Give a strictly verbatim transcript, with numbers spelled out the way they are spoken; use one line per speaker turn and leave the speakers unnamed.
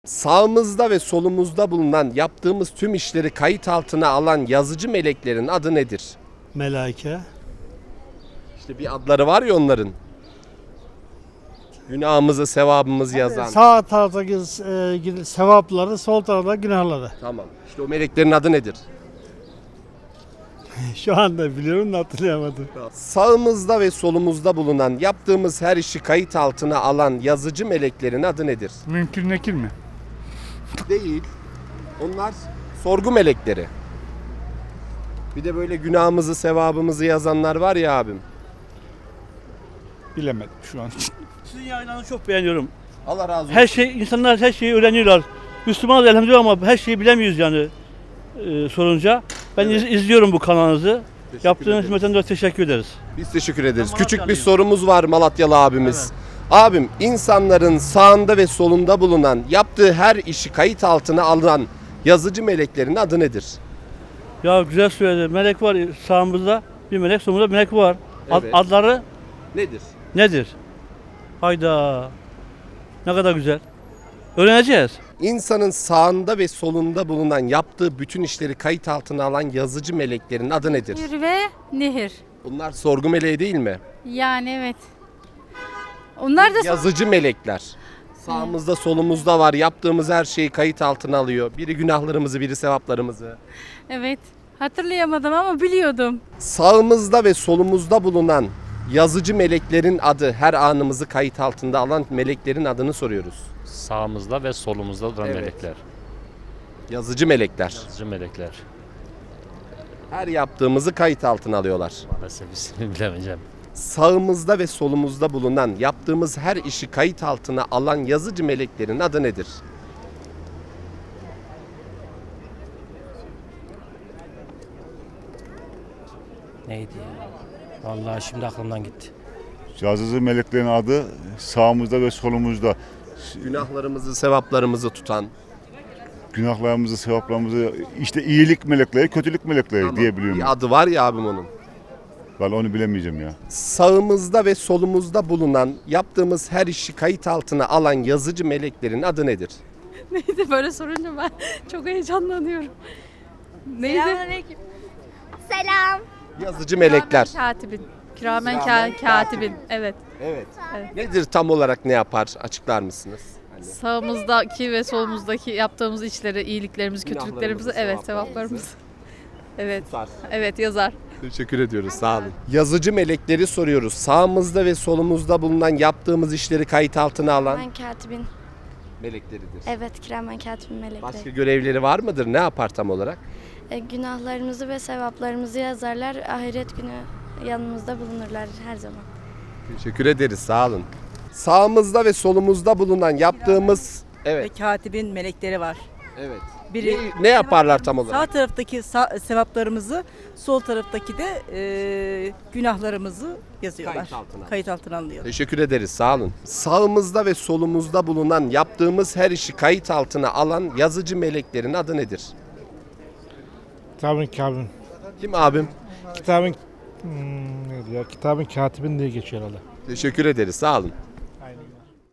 Sağımızda ve solumuzda bulunan yaptığımız tüm işleri kayıt altına alan yazıcı meleklerin adı nedir?
Melaike.
İşte bir adları var ya onların. Günahımızı, sevabımızı yazan.
Sağ taraftaki e, sevapları, sol tarafta günahları.
Tamam. İşte o meleklerin adı nedir?
Şu anda biliyorum da hatırlayamadım.
Sağımızda ve solumuzda bulunan yaptığımız her işi kayıt altına alan yazıcı meleklerin adı nedir?
Mümkün nekil mi?
Değil. Onlar sorgu melekleri. Bir de böyle günahımızı, sevabımızı yazanlar var ya abim.
Bilemedim şu an.
Sizin yayınlarınızı çok beğeniyorum.
Allah razı olsun.
Her şey, insanlar her şeyi öğreniyorlar. Müslümanız elhamdülillah ama her şeyi bilemiyoruz yani e, sorunca. Ben
Evet.
iz- izliyorum bu kanalınızı.
Teşekkür
Yaptığınız
ederiz.
hizmetten dolayı teşekkür ederiz.
Biz teşekkür ederiz.
Ben
Küçük bir
Malatyalıyım.
sorumuz var Malatyalı abimiz. Abim, insanların sağında ve solunda bulunan yaptığı her işi kayıt altına alan yazıcı meleklerin adı nedir?
Ya güzel söyledi. Melek var sağımızda, bir melek solumuzda bir melek var. Ad-
Evet.
adları
Nedir?
nedir? Hayda. Ne kadar güzel. Öğreneceğiz.
İnsanın sağında ve solunda bulunan yaptığı bütün işleri kayıt altına alan yazıcı meleklerin adı nedir?
Nehir ve nehir.
Bunlar sorgu meleği değil mi?
Yani evet. Onlar da
Yazıcı melekler. Sağımızda solumuzda var. Yaptığımız her şeyi kayıt altına alıyor. Biri günahlarımızı, biri sevaplarımızı.
evet. Hatırlayamadım ama biliyordum.
Sağımızda ve solumuzda bulunan yazıcı meleklerin adı, her anımızı kayıt altında alan meleklerin adını soruyoruz.
Sağımızda ve solumuzda duran
Evet.
melekler.
Yazıcı melekler.
Yazıcı melekler.
Her yaptığımızı kayıt altına alıyorlar.
Maalesef ismini bilemeyeceğim.
Sağımızda ve solumuzda bulunan yaptığımız her işi kayıt altına alan yazıcı meleklerin adı nedir?
Neydi ya? Vallahi şimdi aklımdan gitti.
Yazıcı meleklerin adı sağımızda ve solumuzda.
Günahlarımızı, sevaplarımızı tutan.
Günahlarımızı, sevaplarımızı işte iyilik melekleri, kötülük melekleri
Tamam.
diye biliyorum.
Bir adı var ya abim onun.
Vallahi onu bilemeyeceğim ya.
Sağımızda ve solumuzda bulunan yaptığımız her işi kayıt altına alan yazıcı meleklerin adı nedir?
Neydi böyle sorunca ben çok heyecanlanıyorum. Neydi?
Selam.
Yazıcı melekler.
Kiramen katibin. Kiramen
Kiramen
ka- katibin. Evet.
Evet.
Evet.
Nedir tam olarak, ne yapar? Açıklar mısınız? Hani
Sağımızdaki ve solumuzdaki yaptığımız işleri, iyiliklerimizi,
Günahlarımızı,
kötülüklerimizi, evet,
sevaplarımızı.
sevaplarımızı. Evet.
tutar.
Evet yazar.
Teşekkür ediyoruz. Sağ olun. Yazıcı melekleri soruyoruz. Sağımızda ve solumuzda bulunan yaptığımız işleri kayıt altına alan
Ben katibin.
melekleridir.
Evet, kiramen katibin melekleri.
Başka görevleri var mıdır? Ne yapar tam olarak?
E, günahlarımızı ve sevaplarımızı yazarlar. Ahiret günü yanımızda bulunurlar her zaman.
Teşekkür ederiz. Sağ olun. Sağımızda ve solumuzda bulunan yaptığımız
Ve
evet.
katibin melekleri var.
Evet.
Biri
Ne, ne yaparlar tam olarak?
sağ taraftaki sa- sevaplarımızı, sol taraftaki de e, günahlarımızı yazıyorlar.
Kayıt altına.
Kayıt altına alıyor.
Teşekkür ederiz. Sağ olun. Sağımızda ve solumuzda bulunan yaptığımız her işi kayıt altına alan yazıcı meleklerin adı nedir?
Kitabın kabin.
Kim abim?
Kitabın hmm, neydi ya? Kitabın katibin diye geçiyor herhalde.
Teşekkür ederiz. Sağ olun.